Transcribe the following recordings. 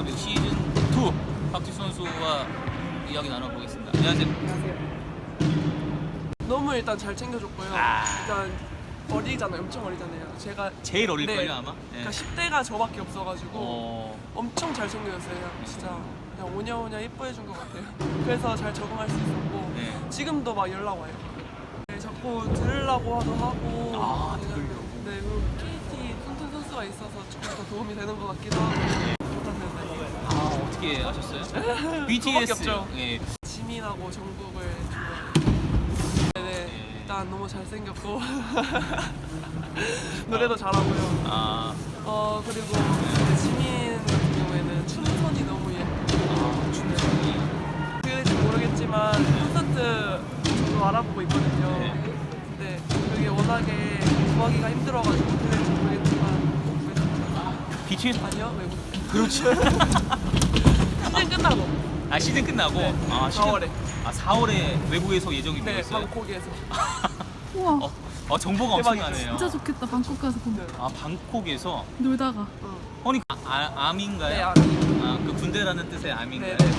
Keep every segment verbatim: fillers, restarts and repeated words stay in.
인터뷰 시즌 투 박지수 선수와 이야기 나눠보겠습니다. 안녕하세요. 안녕하세요. 너무 일단 잘 챙겨줬고요. 아. 일단 어리잖아요. 엄청 어리잖아요. 제가 제일 어릴걸요 네. 아마? 네. 그러니까 십 대가 저밖에 없어가지고 어... 엄청 잘 챙겨줬어요. 그냥 진짜 그냥 오냐오냐 예뻐해준 것 같아요. 그래서 잘 적응할 수 있었고 네. 지금도 막 연락 와요. 네, 자꾸 들으려고도 하고 아, 그냥, 들으려고. 네, 그리고 케이티 튼튼 선수가 있어서 조금 더 도움이 되는 것 같기도 하고 못하는데 아 어떻게 아셨어요? 비티에스 없죠. 예. 지민하고 정국을 네네 일단 너무 잘생겼고 노래도 잘하고요. 아, 어 그리고 이제 지민 같은 경우에는 춤선이 너무 예쁘고 아 춤선이 그럴지 모르겠지만 콘서트 저도 알아보고 있거든요. 네. 근데 그게 워낙에 구하기가 힘들어가지고 어떻게 될지 모르겠지만 꼭 구했습니다. 비티에스 아니요 외국 그렇죠. 시즌 끝나고 아 시즌 끝나고 네. 아 시즌, 사월에. 아 사월에 외국에서 예정이 되어 네 있어요. 방콕에서 우와 어, 어 정보가 대박이죠. 엄청나네요. 진짜 좋겠다. 방콕 가서 보면 네. 아 방콕에서 놀다가 응. 아니 아, 아, 암인가요? 네, 아, 그 군대라는 뜻의 암인가요? 네네.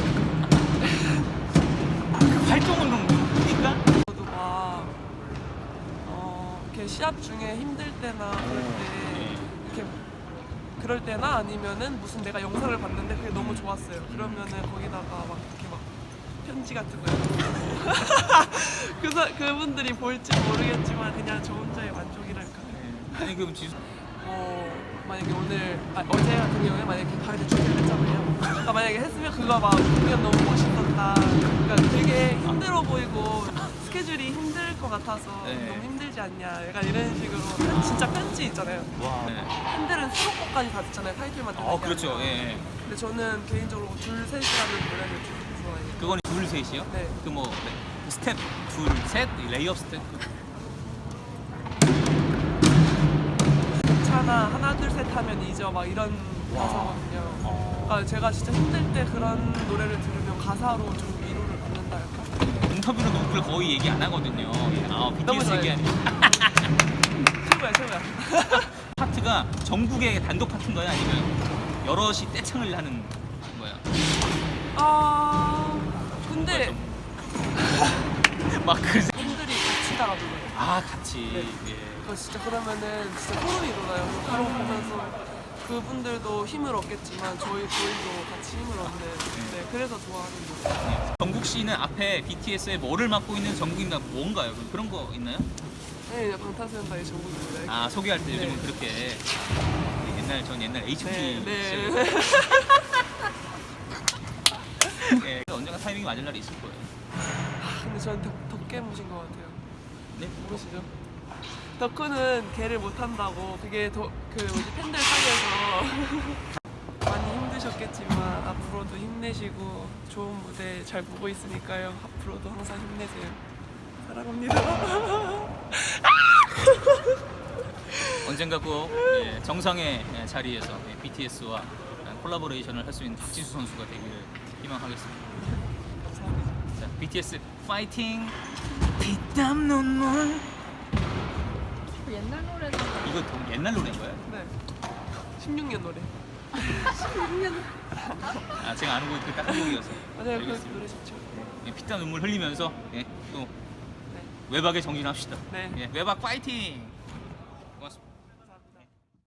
그 활동은 뭡니까? 저도 막 어, 이렇게 시합 중에 힘들 때나 그럴 때 이렇게 그럴 때나 아니면은 무슨 내가 영상을 봤는데 그게 너무 좋았어요. 그러면은 거기다가 막 이렇게 막 편지 같은 거요. 그래서 그분들이 볼지 모르겠지만 그냥 저 혼자의 만족이랄까. 아니 그럼 지수 어 만약에 오늘 아, 어제 같은 경우에 만약에 가을에 준비를 했잖아요. 그러니까 만약에 했으면 그거 막 공연 너무 멋있었다. 그러니까 되게 힘들어 보이고 스케줄이 힘들 것 같아서 네. 너무 힘들지 않냐. 약간 이런 식으로 편- 진짜 편지 있잖아요. 와. 네. 팬들은 수록곡까지 다 듣잖아요. 타이틀만 듣는 어 게 그렇죠. 아니라. 예. 예. 근데 저는 개인적으로 둘 셋이라는 노래를 좀 좋아해요. 그거는 둘 셋이요? 네. 그 뭐 스텝 둘 셋 레이업 스텝. 괜찮아 하나 둘 셋 하면 잊어 막 이런 와. 가사거든요. 어. 그러니까 제가 진짜 힘들 때 그런 노래를 들으면 가사로 좀 위로를 받는다 할까? 인터뷰는 노크를 거의 얘기 안 하거든요. 예. 아 너무 비티에스 좋아요. 얘기하니 최고야 최고야. 파트가 전국의 단독 파트인가요? 아니면 여럿이 떼창을 하는 거야? 아 근데 막 그새 분들이 같이 따라 불러요. 아 같이 네. 예. 그거 진짜 그러면은 진짜 소름이 돋아요. 그런 거 보면서 그분들도 힘을 얻겠지만 저희 저희도 같이 힘을 얻는. 네 그래서 좋아하는 거예요. 예. 정국 씨는 앞에 비티에스의 뭐를 맡고 있는 정국입니다. 뭔가요? 그런 거 있나요? 네 방탄소년단의 전국입니다. 아 소개할 때 요즘은 네. 그렇게 옛날 전 옛날 에이치오티 네, 네. 시절 예, 언젠가 타이밍이 맞을 날이 있을 거예요. 근데 저는 덕, 덕계 무신 것 같아요. 네? 모르시죠? 덕후는 개를 못 한다고 그게 더, 그 뭐지 팬들 사이에서 많이 힘드셨겠지만 앞으로도 힘내시고 좋은 무대 잘 보고 있으니까요. 앞으로도 항상 힘내세요. 사랑합니다. 언젠가 꼭 예, 정상의 예, 자리에서 예, 비티에스와 콜라보레이션을 할 수 있는 박지수 선수가 되기를 희망하겠습니다. 감사합니다. 자, 비티에스 파이팅! 피땀 눈물. 옛날 노래도 이거 더 옛날 노래인가요? 네. 십육 년 노래. 아 제가 아는 곡이 그딱 한 곡이어서. 맞아요. 그 알겠습니다. 노래 좋죠. 예, 피땀 눈물 흘리면서 예, 또 네. 외박에 정진합시다. 네. 예, 외박 파이팅!